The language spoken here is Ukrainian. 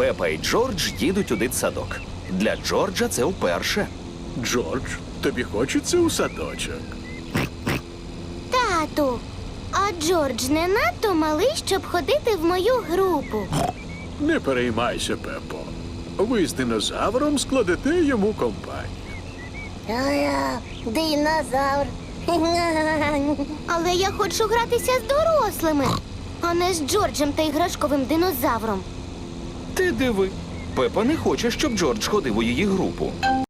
Пепа і Джордж їдуть у дитсадок. Для Джорджа це вперше. Джордж, тобі хочеться у садочок? Тату, а Джордж не надто малий, щоб ходити в мою групу. Не переймайся, Пепо. Ви з динозавром складете йому компанію. Динозавр. Але я хочу гратися з дорослими, а не з Джорджем та іграшковим динозавром. Ти диви. Пепа не хоче, щоб Джордж ходив у її групу.